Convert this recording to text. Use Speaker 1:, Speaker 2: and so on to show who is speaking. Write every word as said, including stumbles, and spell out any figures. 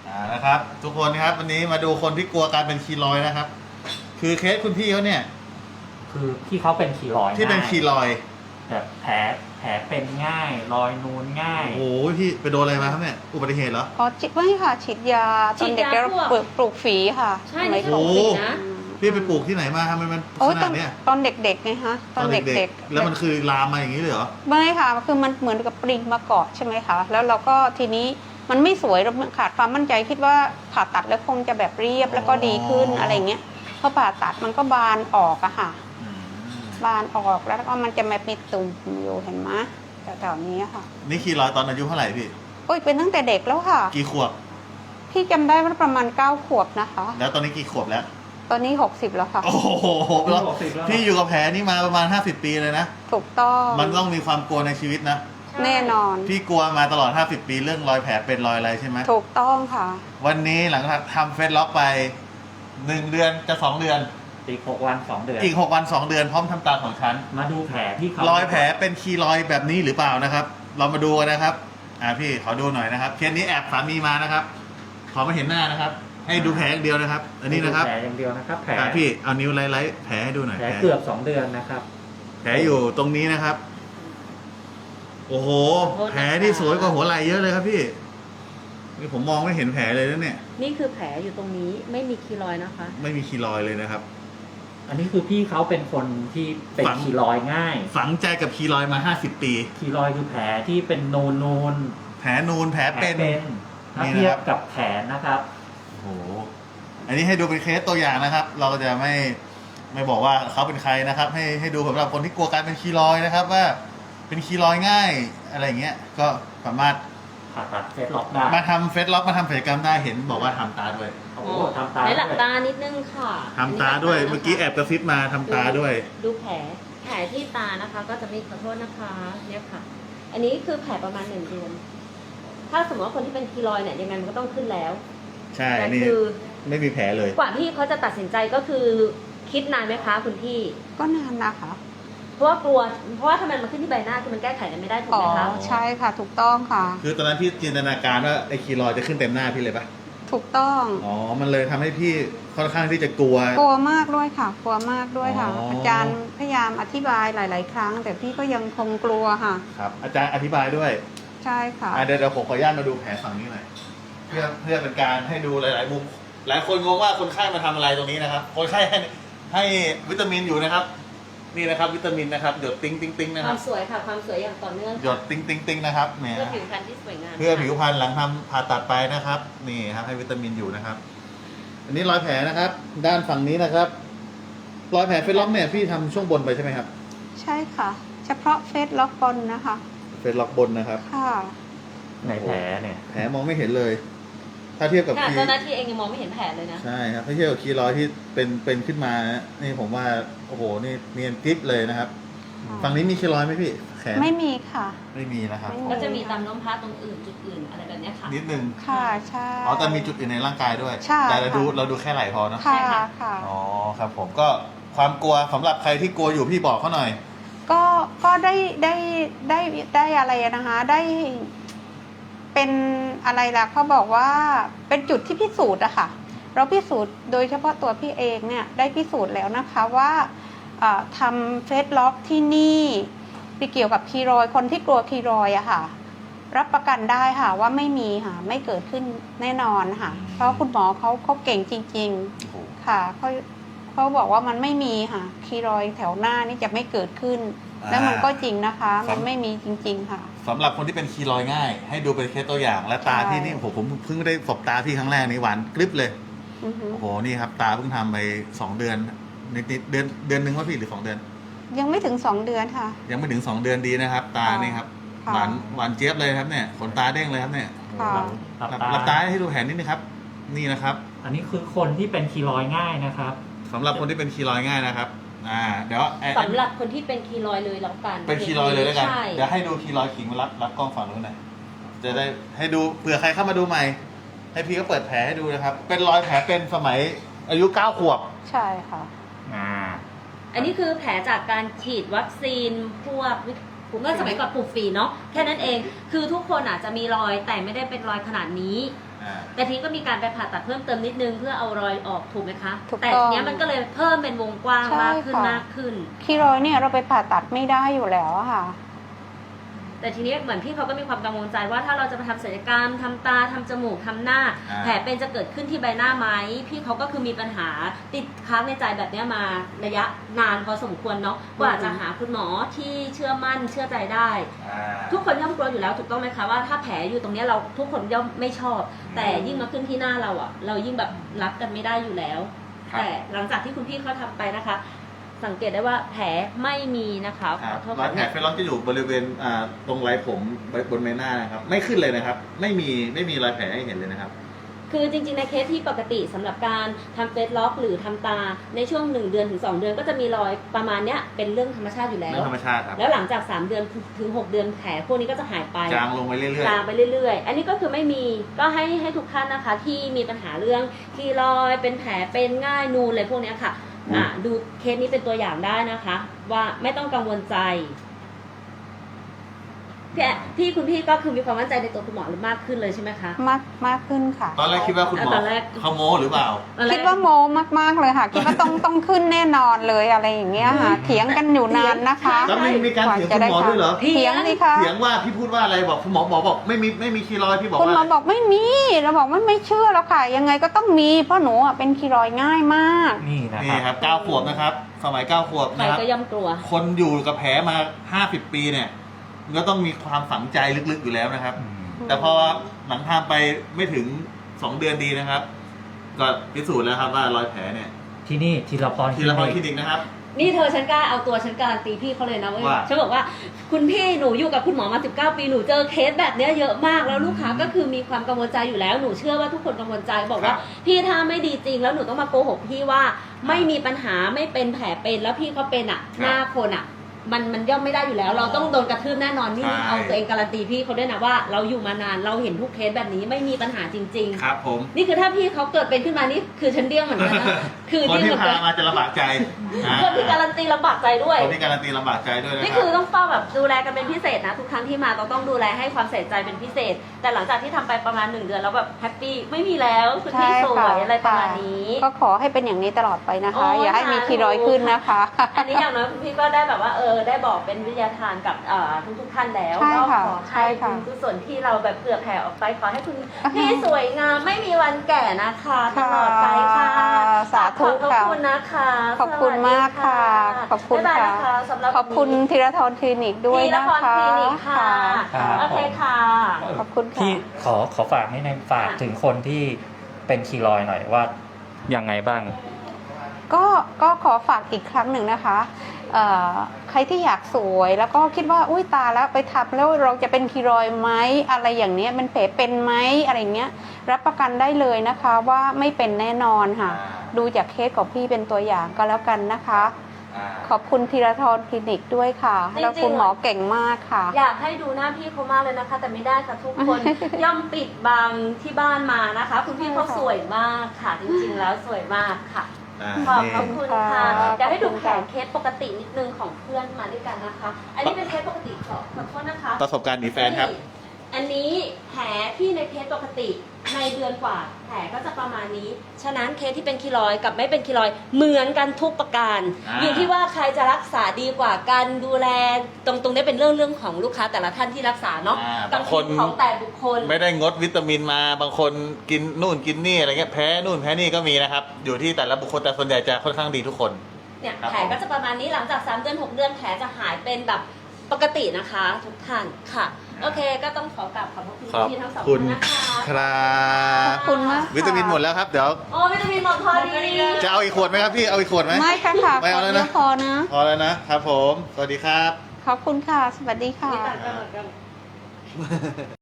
Speaker 1: อ่านะครับทุกคนครับวันนี้มาดูคนที่กลัวการเป็นคีลอยด์นะครับคือเคสคุณพี่เขาเนี่ย
Speaker 2: คือที่เขาเป็นคีรอยด์
Speaker 1: ที่เป็นคีลอยด์
Speaker 2: แบบแผลแผลเป็นง่ายรอยนูนง่าย
Speaker 1: โอ้โหพี่ไปโดนอะไรมาครับเนี่ยอุบัติเหตุเหรอ
Speaker 3: อ๋อฉีดไม่ค่ะฉีดยาตอนเด็ก
Speaker 4: ฉีดยา
Speaker 3: แล้ว
Speaker 4: พวก
Speaker 3: ปลูกปลูกฝีค่ะ
Speaker 4: ใช่
Speaker 3: สมัย
Speaker 4: นี่
Speaker 3: ก่
Speaker 4: ป
Speaker 3: อน
Speaker 4: ลูกฝีนะ
Speaker 1: พี่ไปปลูกที่ไหนมาทำไมมัน
Speaker 3: โอ้
Speaker 1: ข
Speaker 3: ต
Speaker 1: นา
Speaker 3: อ
Speaker 1: ด
Speaker 3: น
Speaker 1: เนี้ย
Speaker 3: ตอนเด็กๆไงฮะตอนเด็กๆ
Speaker 1: แล้วมันคือลามมาอย่างนี้เลยเหรอ
Speaker 3: ไม่ค่ะคือมันเหมือนกับปริงมาเกาะใช่ไหมคะแล้วเราก็ทีนี้มันไม่สวยเราขาดความมั่นใจคิดว่าผ่าตัดแล้วคงจะแบบเรียบแล้วก็ดีขึ้นอะไรเงี้ยพอผ่าตัดมันก็บานออกอะค่ะบานออกแล้วก็มันจะมาเป็นตุ่มอยู่เห็นไหมแถวๆนี้ค่ะ
Speaker 1: นี่คีลอยด์ตอนอายุเท่าไหร่พี่
Speaker 3: โอ้ยเป็นตั้งแต่เด็กแล้วค่ะ
Speaker 1: กี่ขวบ
Speaker 3: พี่จำได้ว่าประมาณเก้าขวบนะคะ
Speaker 1: แล้วตอนนี้กี่ขวบแล้ว
Speaker 3: ตอนนี้หกสิบแล้วค่ะ
Speaker 1: โอ้โห
Speaker 2: หกสิบแล้ว
Speaker 1: พี่อยู่กับแผลนี่มาประมาณห้าสิบปีเลยนะ
Speaker 3: ถูกต้อง
Speaker 1: มันต้องมีความกลัวในชีวิตนะ
Speaker 3: แน่นอน
Speaker 1: พี่กลัวมาตลอดห้าสิบปีเรื่องรอยแผลเป็นรอยอะไรใช่ไหม
Speaker 3: ถูกต้องค่ะ
Speaker 1: วันนี้หลังจากทำเฟซล็อกไปหนึ่งเดือนจะสองเดือน
Speaker 2: อีกหกวันสองเดือน
Speaker 1: อีกหกวันสองเดือนพร้อมทำตาของฉัน
Speaker 2: มาดูแผลที่เขา
Speaker 1: รอยแผลเป็นคีลอยด์แบบนี้หรือเปล่านะครับ เรามาดูกันนะครับ อ่าพี่ขอดูหน่อยนะครับเคสนี้แอบสามีมานะครับ ขอมาเห็นหน้านะครับ ให้ดูแผลอย่างเดียวนะครับ อันนี้นะครับ
Speaker 2: แผลอย่างเดียวนะครับแผล
Speaker 1: อ่าพี่เอานิ้วไล่ๆแผลให้ดูหน่อย
Speaker 2: แผลเกือบสองเดือนนะครับ
Speaker 1: แผลอยู่ตรงนี้นะครับ โอ้โห
Speaker 4: ขอโทษนะคะ
Speaker 1: แผลที่สวยกว่าหัวไหล่เยอะเลยครับพี่นี่ผมมองไม่เห็นแผลเลยนะเนี่ย
Speaker 4: นี่คือแผลอยู่ตรงนี้ไม่มีคีรอยด์นะคะ
Speaker 1: ไม่มีคีลอยด์เลยนะครับ
Speaker 2: อันนี้คือพี่เขาเป็นคนที่เป็น
Speaker 1: ฝัง
Speaker 2: คีรอยด์ง่าย
Speaker 1: ฝังใจกับคีลอยด์มาห้าสิบปี
Speaker 2: คีรอยด์คือแผลที่เป็นนูนนูน
Speaker 1: แผลนูนแผล
Speaker 2: แผล
Speaker 1: เป็น
Speaker 2: เป็นถ้า
Speaker 1: นี่นะครับ
Speaker 2: เทียบกับแขนนะครับ
Speaker 1: โอ้โห อันนี้ให้ดูเป็นเคสตัวอย่างนะครับ เราจะไม่ไม่บอกว่าเขาเป็นใครนะครับ ให้ให้ดูสำหรับคนที่กลัวการเป็นคีลอยด์นะครับ ว่าเป็นคีลอยด์ง่ายอะไรอย่างเงี้ย ก็สามารถ
Speaker 2: ผ่าตัดเฟซล็อกได้
Speaker 1: มาทำเฟซล็อกมาทำศัลยกรรมได้เห็นบอกว่าทำตาด้วย
Speaker 2: โอ้โหทำตา
Speaker 4: ใน
Speaker 2: ด้
Speaker 4: หลับ
Speaker 2: วย
Speaker 4: ตานิดนึงค่ะ
Speaker 1: ทำตาด้วย เมื่อกี้แอบกระซิบมาทำตาด้วย
Speaker 4: ดูแผลแผลที่ตานะคะ ก็จะไม่ขอโทษนะคะเนี่ยค่ะ อันนี้คือแผลประมาณหนึ่งเดือนถ้าสมมติว่าคนที่เป็นคีรอยด์เนี่ยยังไงมันก็ต้องขึ้นแล้ว
Speaker 1: ใช่
Speaker 4: แต่
Speaker 1: นี่
Speaker 4: คือ
Speaker 1: ไม่มีแผลเลย
Speaker 4: กว่าที่เขาจะตัดสินใจก็คือคิดนานไหมคะคุณพี่
Speaker 3: ก็นานนะคะ
Speaker 4: เพราะว่ากลัวเพราะว่าถ้ามันมาขึ้นที่ใบหน้าคือมันแก้ไขกันไม่ได้ถูก
Speaker 3: อ๋อ
Speaker 4: ไหมคะ
Speaker 3: ใช่ค่ะ ถูกต้องค่ะ
Speaker 1: คือตอนนั้นพี่จินตนาการว่าไอ้คีลอยด์จะขึ้นเต็มหน้าพี่เลยปะ
Speaker 3: ถูกต้อง
Speaker 1: อ๋อ มันเลยทำให้พี่ค่อนข้างที่จะกลัว
Speaker 3: กลัวมากด้วยค่ะ กลัวมากด้วยค่ะ
Speaker 1: อ๋ออ
Speaker 3: อาจารย์พยายามอธิบายหลาย ๆ ครั้ง แต่พี่ก็ยังคงกลัวค่ะ
Speaker 1: ครับ อาจารย์อธิบายด้วย
Speaker 3: ใช่ค่ะ
Speaker 1: อ่ะเดี๋ยวเดี๋ยวผมขออนุญาตมาดูแผลฝั่งนี้หน่อยเพื่อเพื่อเป็นการให้ดูหลาย ๆ มุม หลายคนงงว่าคนไข้มาทำอะไรตรงนี้นะครับ คนไข้ให้ให้วิตามินอยู่นะครับ นี่นะครับ วิตามินนะครับหยดติ้งติ้งติ้งนะ
Speaker 4: ค
Speaker 1: ครั
Speaker 4: วา
Speaker 1: บ
Speaker 4: มสวยค่ะความสวยอย่างต่อเนื่อง
Speaker 1: หยดติ้งติ้งติ้งนะครับเนี่ย
Speaker 4: เพื่อผิวพรรณที่สวยงาม
Speaker 1: เพื่อผิวพรรณหลังทำผ่าตัดไปนะครับ นี่ครับให้วิตามินอยู่นะครับ อันนี้รอยแผลนะครับ ด้านฝั่งนี้นะครับ รอยแผลเฟซล็อกเนี่ยพี่ทำช่วงบนไปใช่ไหมครับ
Speaker 3: ใช่ค่ะ เฉพาะเฟซล็อกบนนะคะ
Speaker 1: เฟซล็อกบนนะครับ
Speaker 3: ค่ะ
Speaker 2: ในแผลเนี่ย
Speaker 1: แผลมองไม่เห็นเลย ถ้าเทียบกับ
Speaker 4: ค่ะ
Speaker 1: คี
Speaker 4: เจ้าหน้าที่เองยังมองไม่เห็นแผลเลยนะ
Speaker 1: ใช่ครับถ้าเทียบกับคีรอยด์ที่เป็นเป็นขึ้นมา นี่ผมว่าโอ้โหนี่เนียนกริบเลยนะครับ
Speaker 3: ค่ะ
Speaker 1: ฝั่งนี้มีคีรอยด์ไหมพี่แขน
Speaker 3: ไม่มีค่ะ
Speaker 1: ไม่มีนะครับ
Speaker 3: ไม่
Speaker 4: ก็จะมีตามน้มพระตรงอื่นจุดอื่นอะไรแบบเนี้ยค่ะ
Speaker 1: นิดนึง
Speaker 3: ค่ะ ใช่
Speaker 1: อ๋อแต่มีจุดอื่นในร่างกายด้วย
Speaker 3: ใช่
Speaker 1: แต่เราดู
Speaker 3: ค่ะ
Speaker 1: เราดูแค่ไหล่พอเนอะ
Speaker 3: ค่ะ
Speaker 4: ใช่ค่ะ
Speaker 3: ค่ะ
Speaker 1: อ๋อครับผมก็ความกลัวสำหรับใครที่กลัวอยู่พี่บอกเขาหน่อย
Speaker 3: ก็ก็ได้ได้ได้ได้อะไรนะคะ ได้เป็นอะไรล่ะเขาบอกว่าเป็นจุดที่พิสูจน์อะค่ะ เราพิสูจน์โดยเฉพาะตัวพี่เองเนี่ยได้พิสูจน์แล้วนะคะว่าเอ่อทำเฟซล็อกที่นี่ไปเกี่ยวกับคีรอยด์คนที่กลัวคีรอยด์อะค่ะ รับประกันได้ค่ะว่าไม่มีค่ะไม่เกิดขึ้นแน่นอนค่ะ เพราะคุณหมอเขาเขาเก่งจริง
Speaker 1: โอ้โห
Speaker 3: ๆค่ะเขาเขาบอกว่ามันไม่มีค่ะคีรอยด์แถวหน้านี่จะไม่เกิดขึ้น แล้วมันก็จริงนะคะ มันไม่มีจริง ๆ ค่ะ
Speaker 1: สำหรับคนที่เป็นคีรอยด์ง่าย ให้ดูเป็นเคสตัวอย่าง และตา
Speaker 3: ใช่
Speaker 1: ที่นี่ผมผมเพิ่งได้สบตาพี่ครั้งแรกนี่หวานกริบเลย
Speaker 3: อือฮึ
Speaker 1: โอ้โหนี่ครับตาเพิ่งทำไปสองเดือนนิดนิดเดือนเดือนหนึ่งว่าพี่หรือสองเดือน
Speaker 3: ยังไม่ถึงสองเดือนค่ะ
Speaker 1: ยังไม่ถึงสองเดือนดีนะครับ ตา
Speaker 3: ค่ะ
Speaker 1: นี่ครับ
Speaker 3: ค่ะ
Speaker 1: หวานหวานเจี๊ยบเลยครับเนี่ยขนตาเด้งเลยครับเนี่ย
Speaker 3: ค่ะ
Speaker 2: หลับ
Speaker 1: หลับ
Speaker 2: ตา
Speaker 1: หลับตาให้ดูแผนนิดนึงครับ นี่นะครับ
Speaker 2: อันนี้คือคนที่เป็นคีรอยด์ง่ายนะครับ
Speaker 1: สำหรับคนที่เป็นคีรอยด์ง่ายนะครับ อ่า เดี๋ยวไอ้
Speaker 4: สำหรับคนที่เป็นคีรอยด์เลยแล้วกัน
Speaker 1: เป็นคีรอยด์เลยแล้วกัน
Speaker 4: ใช่
Speaker 1: เดี๋ยวให้ดูคีรอยด์ขิงมารับรับกล้องฝั่งนู้นหน่อยจะได้ให้ดูเผื่อใครเข้ามาดูใหม่ ให้พี่ก็เปิดแผลให้ดูนะครับ เป็นรอยแผลเป็นสมัยอายุเก้าขวบ
Speaker 3: ใช่ค่ะ
Speaker 2: อ่า
Speaker 4: อันนี้คือแผลจากการฉีดวัคซีนพวกผมก็สมัยก่อนปลูกฝีเนาะแค่นั้นเองคือทุกคนอาจจะมีรอยแต่ไม่ได้เป็นรอยขนาดนี้
Speaker 1: อ่า
Speaker 4: แต่ทีนี้ก็มีการไปผ่าตัดเพิ่มเติมนิดนึงเพื่อเอารอยออกถูกไหมคะ
Speaker 3: ถูกต้อง
Speaker 4: แต่ทีเนี้ยมันก็เลยเพิ่มเป็นวงกว้าง
Speaker 3: ใช่
Speaker 4: มากขึ้น
Speaker 3: ค่ะ
Speaker 4: มากขึ้น
Speaker 3: คีรอยด์เนี่ยเราไปผ่าตัดไม่ได้อยู่แล้วอะค่ะ
Speaker 4: แต่ทีนี้เหมือนพี่เขาก็มีความกังวลใจว่าถ้าเราจะไปทำศัลยกรรมทำตาทำจมูกทำหน้า
Speaker 1: อ่า
Speaker 4: แผลเป็นจะเกิดขึ้นที่ใบหน้าไหมพี่เขาก็คือมีปัญหาติดค้างในใจแบบเนี้ยมาระยะนานพอสมควรเนาะกว่าจะหาคุณหมอที่เชื่อมั่นเชื่อใจได้
Speaker 1: อ่า
Speaker 4: ทุกคนย่อมกลัวอยู่แล้วถูกต้องไหมคะว่าถ้าแผลอยู่ตรงเนี้ยเราทุกคนย่อมไม่ชอบ แต่ยิ่งมาขึ้นที่หน้าเราอะเรายิ่งแบบรับกันไม่ได้อยู่แล้ว
Speaker 1: ครับ
Speaker 4: แต่หลังจากที่คุณพี่เขาทำไปนะคะ สังเกตได้ว่าแผลไม่มีนะคะ
Speaker 1: ค
Speaker 4: ข
Speaker 1: รั
Speaker 4: อบ โทษ
Speaker 1: รอย
Speaker 4: ค่ะ
Speaker 1: แผลเฟลล็อกจะอยู่บริเวณอ่าตรงไหล่ผมบนใบหน้านะครับ ไม่ขึ้นเลยนะครับ ไม่มีไม่มีรอยแผลให้เห็นเลยนะครับ
Speaker 4: คือจริงๆในเคสที่ปกติสำหรับการทำเฟซล็อกหรือทำตาในช่วงหนึ่งเดือนถึงสองเดือนก็จะมีรอยประมาณเนี้ยเป็นเรื่องธรรมชาติอยู่แล้
Speaker 1: เรื่อ
Speaker 4: ว
Speaker 1: งธรรมชาติครับ
Speaker 4: แล้วหลังจากสามเดือนถึงหกเดือนแผลพวกนี้ก็จะหายไป
Speaker 1: จางลงไปเรื่อย
Speaker 4: จางไปเรื่อยๆ อันนี้ก็คือไม่มี ก็ให้ให้ทุกท่านนะคะ ที่มีปัญหาเรื่องคีรอยด์เป็นแผลเป็นง่ายนูนอะไรพวกเนี้ยค่ะ อ่ะ ดูเคสนี้เป็นตัวอย่างได้นะคะ ว่าไม่ต้องกังวลใจพี่แอะพี่คุณพี่ก็คือมีความมั่นใจในตัวคุณหมอหรือมากขึ้นเลยใช่ไหมคะ
Speaker 3: มากมากขึ้นค่ะ
Speaker 1: ๆ ตอนแรกคิดว่าคุณหมอ
Speaker 4: ตอนแรก
Speaker 1: เขาโม้หรือเปล่า
Speaker 4: ตอนแรก
Speaker 3: คิดว่าโมมากๆเลยค่ะ คิดว่าต้องต้องขึ้นแน่นอนเลยอะไรอย่างเงี้ยค่ะ เถียงกันอยู่นานนะคะ
Speaker 1: แล้วมีมีการเถียงคุณหมอด้วยเหรอ
Speaker 3: เถียงสิคะ
Speaker 1: เถียงว่าพี่พูดว่าอะไรบอกคุณหมอบอกบอกไม่มีไม่มีคีรอยด์พี่บอก
Speaker 3: คุณหมอ
Speaker 1: ว่า
Speaker 3: บอกไม่มีเราบอกไม่ไม่เชื่อแล้วค่ะ ยังไงก็ต้องมีเพราะหนูอ่ะเป็นคีรอยด์ง่ายมาก
Speaker 2: นี่นะ
Speaker 1: นี่
Speaker 2: ค
Speaker 1: ครับ รับเก้าขวบนะครับ สมัยเก้าขวบ
Speaker 4: ใคร
Speaker 1: นะครับ
Speaker 4: ก็ย่อมกลัว
Speaker 1: คนอยู่กับแผลมาห้าสิบปีเนี่ยมันก็ต้องมีความฝังใจลึกๆอยู่แล้วนะครับ
Speaker 2: อืม
Speaker 1: แต่พอหลังทำไปไม่ถึงสองเดือนดีนะครับ ก็พิสูจน์แล้วครับว่ารอยแผลเนี่ย
Speaker 2: ที่นี่ทีละพร
Speaker 1: ทีละพรคลินิกนะครับ
Speaker 4: นี่เธอฉันกล้าเอาตัวฉันการันตีพี่เขาเลยนะเว้ย
Speaker 1: ว่า
Speaker 4: ฉันบอกว่าคุณพี่หนูอยู่กับคุณหมอมาสิบเก้าปีหนูเจอเคสแบบเนี้ยเยอะมากแล้วลูกค้าก็คือมีความกังวลใจอยู่แล้วหนูเชื่อว่าทุกคนกังวลใจบอกว่าพี่ถ้าไม่ดีจริงแล้วหนูต้องมาโกหกพี่ว่าไม่มีปัญหาไม่เป็นแผลเป็นแล้วพี่เขาเป็นอ่ะหน้าคนอ่ะ มันมันย่อมไม่ได้อยู่แล้ว เราต้องโดนกระทืบแน่นอนนี่เอาตัวเองการันตีพี่เขาด้วยนะว่าเราอยู่มานานเราเห็นทุกเคสแบบนี้ไม่มีปัญหาจริง ๆ
Speaker 1: ครับผม
Speaker 4: นี่คือถ้าพี่เขาเกิดเป็นขึ้นมานี่คือฉันเดี้ยงเหมือนกันนะ คือ
Speaker 1: คน
Speaker 4: เดี้ยง
Speaker 1: ที่
Speaker 4: เหมือน
Speaker 1: พา
Speaker 4: กัน
Speaker 1: มาจะลำบากใจอ่า
Speaker 4: คนที่การันตีลำบากใจด้วย
Speaker 1: คนที่การันตีลำบากใจด้วยนะ
Speaker 4: นี่
Speaker 1: ครั
Speaker 4: คือบ ต้องเฝ้าแบบดูแลกันเป็นพิเศษนะ ทุกครั้งที่มาเราต้องดูแลให้ความใส่ใจเป็นพิเศษ แต่หลังจากที่ทำไปประมาณหนึ่งเดือนแล้วแบบแฮปปี้ไม่มีแล้วคุณพี่สวยอะไรประมาณนี้
Speaker 3: ก็ขอให้เป็นอย่างนี้ตลอดไปนะคะ
Speaker 4: โอ้ย
Speaker 3: อย่าให้มีคีรอยด์ขึ้นนะคะ
Speaker 4: อันนี้อย่างน้อยคุณพี่ก็ได้แบบว่าเออได้บอกเป็นวิทยาทานกับเอ่อทุกทุกๆท่านแล้ว
Speaker 3: ใช่
Speaker 4: ก็
Speaker 3: ค่ะ
Speaker 4: ขอ
Speaker 3: ใช่
Speaker 4: ให้
Speaker 3: ค่ะ
Speaker 4: คุณกุศลที่เราแบบเผื่อแผ่ออกไปขอให้คุณพี่สวยงามไม่มีวันแก่นะคะตลอดไปค่ะ
Speaker 3: สาธุ
Speaker 4: ขอบ
Speaker 3: ค่ะ
Speaker 4: คุณนะคะ
Speaker 3: ขอบคุณมากค่ะ ขอบคุณ
Speaker 4: บ๊ายบาย
Speaker 3: ค่ะ
Speaker 4: นะคะสำหรับ
Speaker 3: ขอบคุณธีรทรคลินิกด้วย
Speaker 4: ทีละ
Speaker 3: นะ
Speaker 4: พร
Speaker 3: คะ
Speaker 4: คลินิกค่ะ
Speaker 2: ค่ะ
Speaker 4: โอเคค่ะ
Speaker 3: ขอบคุณค่ะ
Speaker 2: ที่ขอขอฝากให้ในฝากถึงคนที่เป็นคีรอยด์หน่อยว่ายังไงบ้าง
Speaker 3: ก็ก็ขอฝากอีกครั้งหนึ่งนะคะเอ่อใครที่อยากสวยแล้วก็คิดว่าอุ้ยตาแล้วไปทำแล้วเราจะเป็นคีรอยด์ไหมอะไรอย่างเนี้ยมันแผลเป็นไหมอะไรเงี้ยรับประกันได้เลยนะคะว่าไม่เป็นแน่นอนค่ะ ดูจากเคสของพี่เป็นตัวอย่างก็แล้วกันนะคะ
Speaker 1: อ่า
Speaker 3: ขอบคุณธีรทรคลินิกด้วยค่ะ
Speaker 4: จริงๆ
Speaker 3: แล้วคุณหมอเก่งมากค่ะ
Speaker 4: อยากให้ดูหน้าพี่เขามากเลยนะคะ แต่ไม่ได้ค่ะทุกคน ย่อมปิดบังที่บ้านมานะคะ คุณพี่เขาสวยมากค่ะ จริงๆแล้วสวยมากค่ะ
Speaker 1: อ่า
Speaker 4: ขอบ
Speaker 1: นี่
Speaker 4: พระคุณค่ะ
Speaker 3: ค่ะ
Speaker 4: อยากให้ดู
Speaker 3: ขอบคุณ
Speaker 4: แผ
Speaker 3: ค่ะ
Speaker 4: นเคสปกตินิดนึงของเพื่อนมาด้วยกันนะคะ อันนี้เป็นเคสปกติขอขอโทษนะคะ
Speaker 1: ประสบการณ์หนีแฟนครับ
Speaker 4: อันนี้แผลที่ในเคสปกติในเดือนกว่าแผลก็จะประมาณนี้ ฉะนั้นเคสที่เป็นคีรอยด์กับไม่เป็นคีรอยด์เหมือนกันทุกประการ
Speaker 1: อ่า
Speaker 4: อยู่ที่ว่าใครจะรักษาดีกว่ากันดูแลตรงตรงนี้เป็นเรื่องเรื่องของลูกค้าแต่ละท่านที่รักษาเนาะ
Speaker 1: อ่า
Speaker 4: บางทีของแต่บุคคล
Speaker 1: ไม่ได้งดวิตามินมาบางคนกินนู่นกินนี่อะไรเงี้ยแพ้นู่นแพ้นี่ก็มีนะครับ อยู่ที่แต่ละบุคคลแต่ส่วนใหญ่จะค่อนข้างดีทุกคน
Speaker 4: เนี่ย
Speaker 1: ครับ
Speaker 4: แผลก็จะประมาณนี้หลังจากสามเดือนหกเดือนแผลจะหายเป็นแบบปกตินะคะ ทุกท่านค่ะ โอเคก็ต้องขอกราบขอบพระคุณ
Speaker 1: ขอบ
Speaker 4: พี่ทั้งสอง
Speaker 1: คุ
Speaker 4: ท่า
Speaker 1: ณ
Speaker 4: นนะคะ
Speaker 1: ครับ
Speaker 3: ขอบคุณมากค่ะ
Speaker 1: วิตามินหมดแล้วครับ เดี๋ยว
Speaker 4: โอ้วิตามินหมดพอดี
Speaker 1: จะเอาอีกขวดไหมครับพี่เอาอีกขวดไหม
Speaker 3: ไม่ค่ะค่ะ
Speaker 1: ไม่เอาแล้วนะ
Speaker 3: ขอเดียวพอนะ
Speaker 1: พอแล้วนะครับผม สวัสดีครับ
Speaker 3: ขอบคุณค่ะ สวัสดีค่ะ
Speaker 4: มีต่างกันเหมือนกัน